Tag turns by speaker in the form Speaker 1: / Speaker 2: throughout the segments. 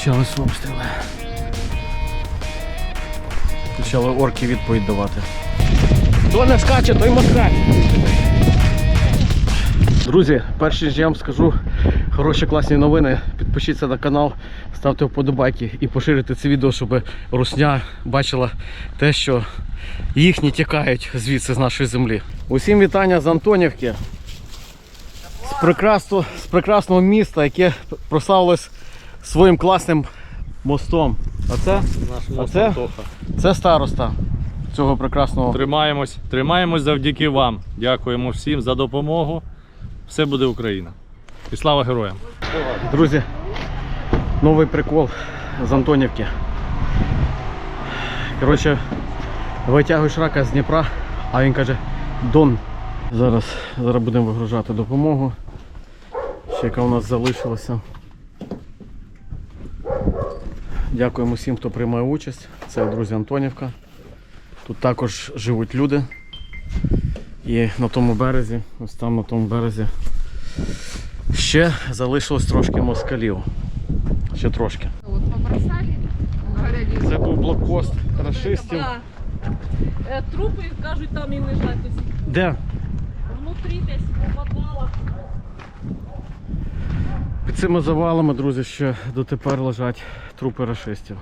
Speaker 1: Почались обстріли. Почали орки відповідь давати. Хто не скаче, той москаль. Друзі, перш ніж я вам скажу хороші класні новини, підпишіться на канал, ставте вподобайки і поширюйте це відео, щоб русня бачила те, що їхні тікають звідси з нашої землі. Усім вітання з Антонівки, з прекрасного міста, яке прославилось своїм класним мостом. Це староста цього прекрасного.
Speaker 2: Тримаємось завдяки вам. Дякуємо всім за допомогу. Все буде Україна. І слава героям!
Speaker 1: Друзі, новий прикол з Антонівки. Коротше, витягуєш рака з Дніпра, а він каже Дон. Зараз будемо вигружати допомогу. Ще яка у нас залишилася. Дякуємо всім, хто приймає участь. Це, друзі, Антонівка. Тут також живуть люди. І на тому березі, ось там на тому березі, ще залишилось трошки москалів. Ще трошки. Це був блокпост рашистів.
Speaker 3: Трупи, кажуть, там і лежать.
Speaker 1: Де?
Speaker 3: Внутрі десь у підвалах.
Speaker 1: Під цими завалами, друзі, ще дотепер лежать трупи рашистів.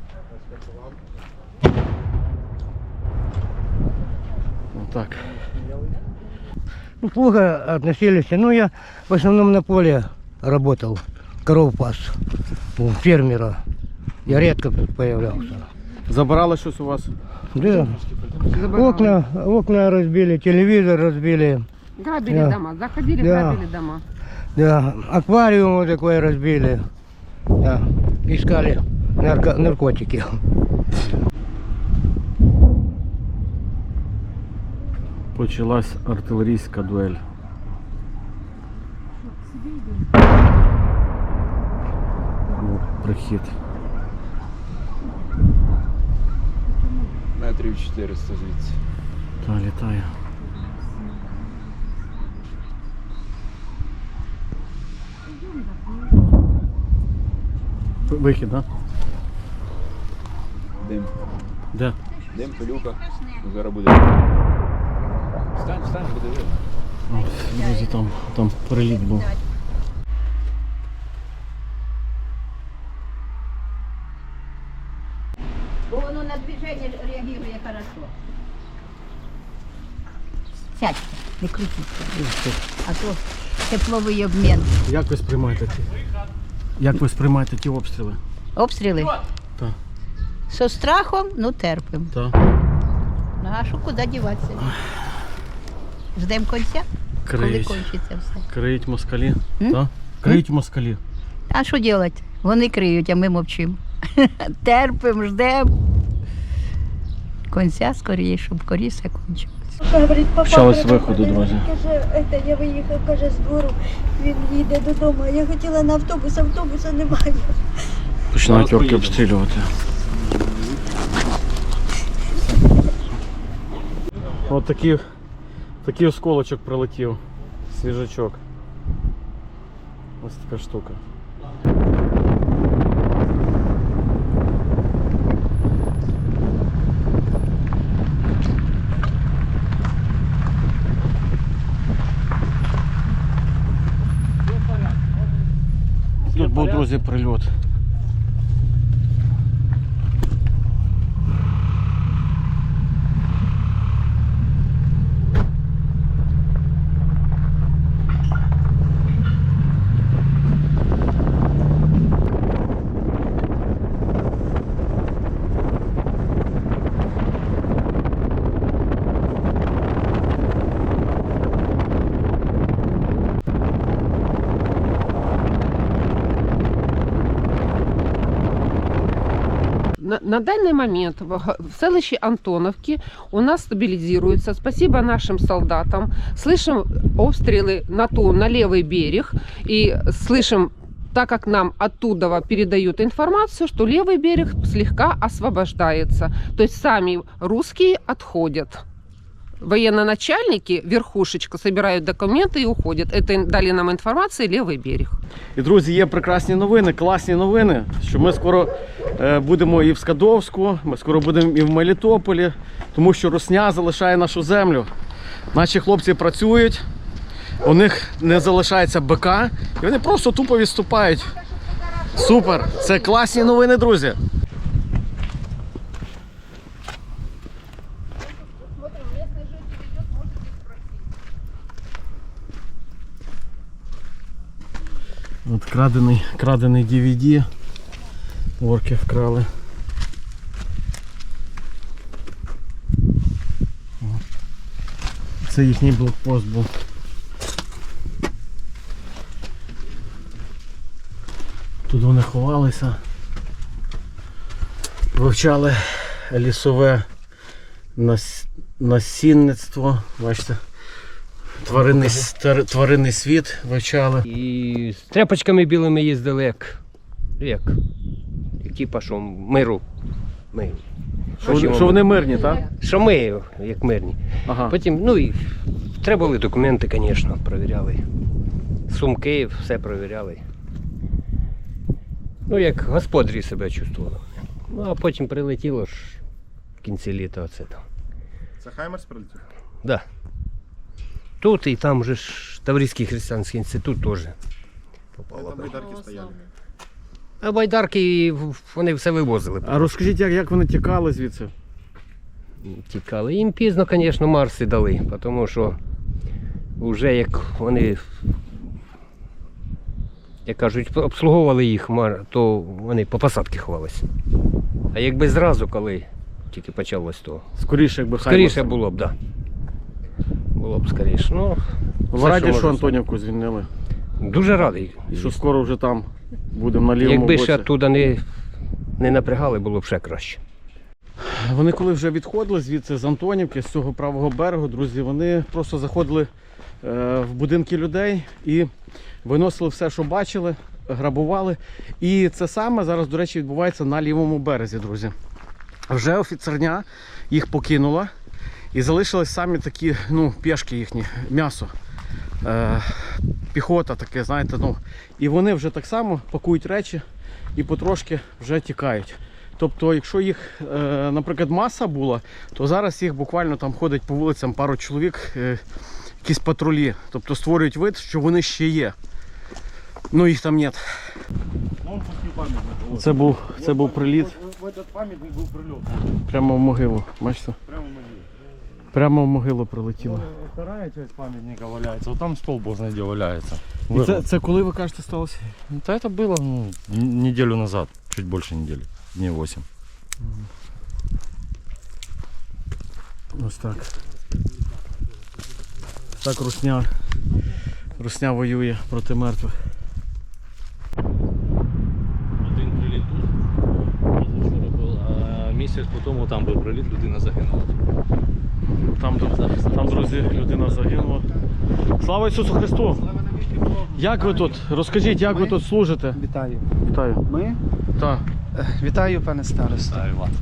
Speaker 1: Отак.
Speaker 4: Ну, плохо относились. Ну, я в основном на поле работал, коров пас, у фермера. Я редко тут появлялся.
Speaker 1: Забирали щось у вас?
Speaker 4: Да. Окна разбили, телевизор разбили.
Speaker 5: Грабили дома, заходили,
Speaker 4: Да.
Speaker 5: грабили дома.
Speaker 4: Да, аквариум вот такой разбили. Да. Искали наркотики.
Speaker 1: Почалась артилерійська дуель. Був прихід.
Speaker 6: Метрів 400 звідси.
Speaker 1: Та літає. Вихід, так?
Speaker 6: Дим.
Speaker 1: Де?
Speaker 6: Дим, пилюка. Зараз буде. Встань, буде видно.
Speaker 1: Друзі, там переліт був.
Speaker 7: Бо воно на движення реагує хорошо. Сядьте, не крутіться. А то тепловий обмін.
Speaker 1: Як ви сприймаєте ті обстріли?
Speaker 7: Обстріли?
Speaker 1: Так.
Speaker 7: Со страхом, ну терпимо.
Speaker 1: Так.
Speaker 7: Ну а що, куди діватися? Ждемо кінця? Коли
Speaker 1: Криють.
Speaker 7: кончиться все.
Speaker 1: Криють москалі. Так? Криють москалі.
Speaker 7: А що робити? Вони криють, а ми мовчимо. Терпимо, ждемо. Кінця скоріше, щоб скоріше кончилось.
Speaker 8: Говорить, папа,
Speaker 1: Почались виходи, друзі.
Speaker 8: Каже, я виїхав, каже, з двору, він їде додому. А я хотіла на автобуса немає.
Speaker 1: Починають орки обстрілювати. Ось такий осколочок прилетів. Свіжачок. Ось така штука. Тут був, друзі, прильот.
Speaker 5: На данный момент в селище Антоновки у нас стабилизируется. Спасибо нашим солдатам. Слышим обстрелы на левый берег. И слышим, так как нам оттуда передают информацию, что левый берег слегка освобождается. То есть сами русские отходят. военно-начальники, верхушечка, собирают документы и уходят. Это дали нам информацию левый берег.
Speaker 1: І, друзі, є прекрасні новини, класні новини, що ми скоро будемо і в Скадовську, ми скоро будемо і в Мелітополі, тому що русня залишає нашу землю. Наші хлопці працюють, у них не залишається БК, і вони просто тупо відступають. Супер! Це класні новини, друзі! От крадений DVD. Орки вкрали. Це їхній блокпост був. Тут вони ховалися. Вивчали лісове насінництво. Бачите? Тваринний світ вивчали.
Speaker 9: І з тряпочками білими їздили, як типа, що миру. Ми.
Speaker 1: Що вони мирні, так?
Speaker 9: Що ми, як мирні.
Speaker 1: Ага.
Speaker 9: Потім, ну і треба були документи, звісно, перевіряли. Сумки, все перевіряли. Ну, як господарі себе чувствували. Ну, а потім прилетіло ж в кінці літа оце там.
Speaker 10: Це Хаймерс прилетів?
Speaker 9: Так. Да. Тут і там же ж Таврійський християнський інститут теж попало.
Speaker 10: Там байдарки стояли.
Speaker 9: А байдарки, вони все вивозили.
Speaker 1: А розкажіть, як вони тікали звідси?
Speaker 9: Тікали. Їм пізно, звісно, Марси дали, тому що вже як вони, як кажуть, обслуговували їх, то вони по посадці ховалися. А якби зразу, коли тільки почалось, то
Speaker 1: Скоріше, якби
Speaker 9: скоріше було б, так. Да. Було б скоріше. Ну,
Speaker 1: Ви раді, що
Speaker 9: можна
Speaker 1: Антонівку звільнили?
Speaker 9: Дуже радий.
Speaker 1: І що скоро вже там будемо на лівому боці.
Speaker 9: Якби ще оттуда не напрягали, було б ще краще.
Speaker 1: Вони коли вже відходили звідси з Антонівки, з цього правого берегу, друзі, вони просто заходили в будинки людей і виносили все, що бачили, грабували. І це саме зараз, до речі, відбувається на лівому березі, друзі. Вже офіцерня їх покинула і залишились самі такі, пішки їхні, м'ясо. Піхота таке, знаєте, і вони вже так само пакують речі і потрошки вже тікають. Тобто, якщо їх, наприклад, маса була, то зараз їх буквально там ходить по вулицям пару чоловік, якісь патрулі. Тобто створюють вид, що вони ще є. Ну їх там нет. Це був приліт.
Speaker 10: В этот пам'ятник був прильот.
Speaker 1: Прямо в могилу, бачите?
Speaker 10: Прямо в могилі.
Speaker 1: Прямо в могилу прилетіло.
Speaker 10: Вторая часть пам'ятника валяється, вот там стол бог знає, де валяється.
Speaker 1: І це коли, ви кажете, сталося?
Speaker 10: Да это было неделю назад, чуть больше недели, дней 8.
Speaker 1: Ось так. Так русня воює проти мертвих.
Speaker 2: Один приліт тут, позавчора був, а місяць по тому там був приліт, людина загинула.
Speaker 1: Там, друзі, людина загинула. Слава Ісусу Христу! Як ви тут? Розкажіть, як ви тут служите?
Speaker 11: Вітаю.
Speaker 1: Вітаю.
Speaker 11: Ми?
Speaker 1: Так.
Speaker 11: Вітаю, пане старосто.
Speaker 2: Вітаю вас.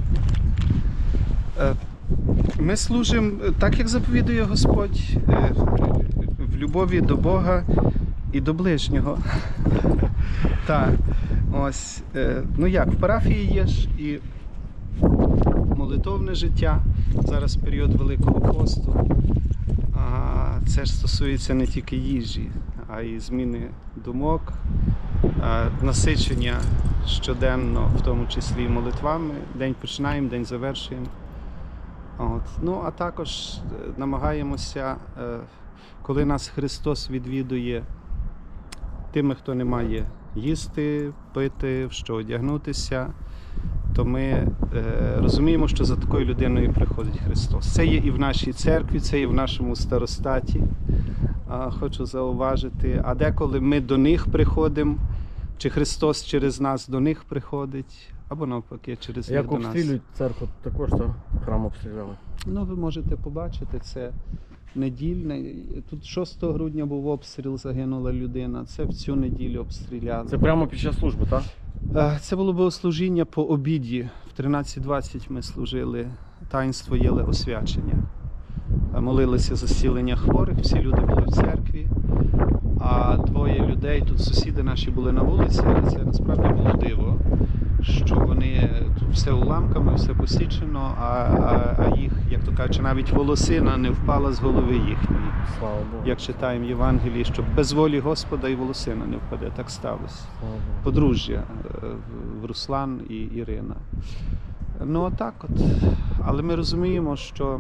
Speaker 11: Ми служимо так, як заповідує Господь, в любові до Бога і до ближнього. Так. Ось, в парафії є ж і молитовне життя. Зараз період Великого посту. Це ж стосується не тільки їжі, а й зміни думок, насичення щоденно, в тому числі молитвами. День починаємо, день завершуємо. А також намагаємося, коли нас Христос відвідує, тими, хто не має їсти, пити, в що одягнутися, то ми розуміємо, що за такою людиною приходить Христос. Це є і в нашій церкві, це є в нашому старостаті, хочу зауважити. А деколи ми до них приходимо, чи Христос через нас до них приходить, або навпаки, через них до нас.
Speaker 1: Як обстрілюють церкву, також храм обстріляли?
Speaker 11: Ви можете побачити, це недільне. Тут 6 грудня був обстріл, загинула людина. Це в цю неділю обстріляли.
Speaker 1: Це прямо під час служби, так?
Speaker 11: Це було богослужіння по обіді. В 13:20 ми служили таїнство єлеосвячення. молилися за зцілення хворих, всі люди були в церкві, а двоє людей, тут сусіди наші були на вулиці, але це насправді було диво, що вони тут все уламками, все посічено, а їх, як то кажуть, навіть волосина не впала з голови їхньої.
Speaker 1: Слава Богу.
Speaker 11: Як читаємо в Євангелії, що без волі Господа і волосина не впаде, так сталося.
Speaker 1: Слава Богу.
Speaker 11: Подружжя в Руслан і Ірина. Ну отак от. Але ми розуміємо, що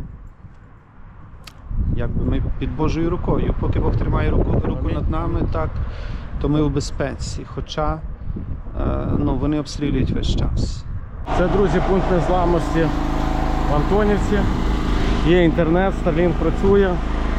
Speaker 11: якби ми під Божою рукою. Поки Бог тримає руку над нами, так, то ми в безпеці. Хоча вони обстрілюють весь час.
Speaker 1: Це, друзі, пункт незламності в Антонівці. Є інтернет, Starlink працює.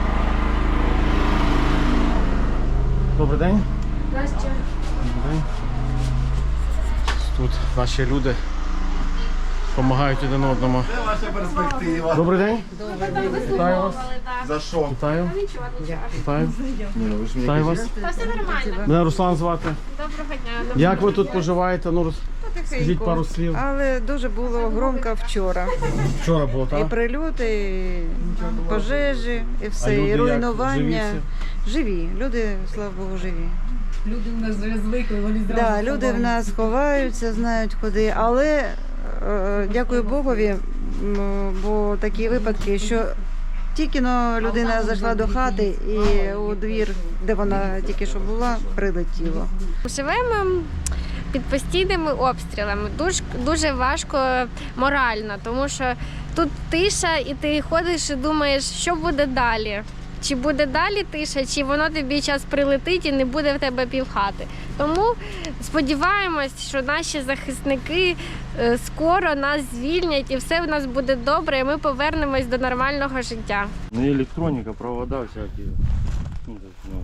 Speaker 1: Добрий день.
Speaker 8: Настя.
Speaker 1: Добрий день. Тут наші люди допомагають один одному.
Speaker 12: Це ваша перспектива.
Speaker 1: Добрий день. Вітаю вас.
Speaker 12: За що?
Speaker 1: Вітаю. Вітаю.
Speaker 12: Ви ж
Speaker 1: Вітаю вас.
Speaker 3: Все нормально.
Speaker 1: Мене Руслан звати.
Speaker 3: Доброго дня.
Speaker 1: Як ви тут поживаєте? Ну, скажіть пару слів.
Speaker 13: Але дуже було громко вчора.
Speaker 1: Вчора було,
Speaker 13: І
Speaker 1: так?
Speaker 13: прильоти, і пожежі, і
Speaker 1: А
Speaker 13: все,
Speaker 1: люди
Speaker 13: і
Speaker 1: як?
Speaker 13: руйнування.
Speaker 1: Живі
Speaker 13: Живі. Люди, слава Богу, живі.
Speaker 3: Люди в нас вже звикли, вони зразу.
Speaker 13: Да, люди в нас ховаються, знають куди. Але дякую Богові, бо такі випадки, що тільки людина зайшла до хати і у двір, де вона тільки що була, прилетіло.
Speaker 14: Живемо під постійними обстрілами. Дуже важко морально, тому що тут тиша, і ти ходиш і думаєш, що буде далі. Чи буде далі тиша, чи воно тобі час прилетить і не буде в тебе півхати. Тому сподіваємось, що наші захисники скоро нас звільнять і все в нас буде добре, і ми повернемось до нормального життя.
Speaker 10: Ну, електроника, провода всякие. Ну,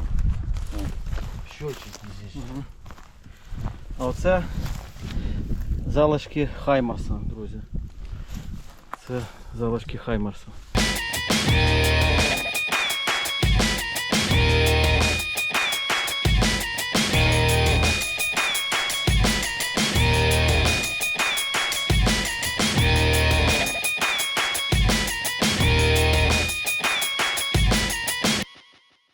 Speaker 10: счетчики здесь.
Speaker 1: А оце залишки Хаймарса, друзі. Це залишки Хаймарса.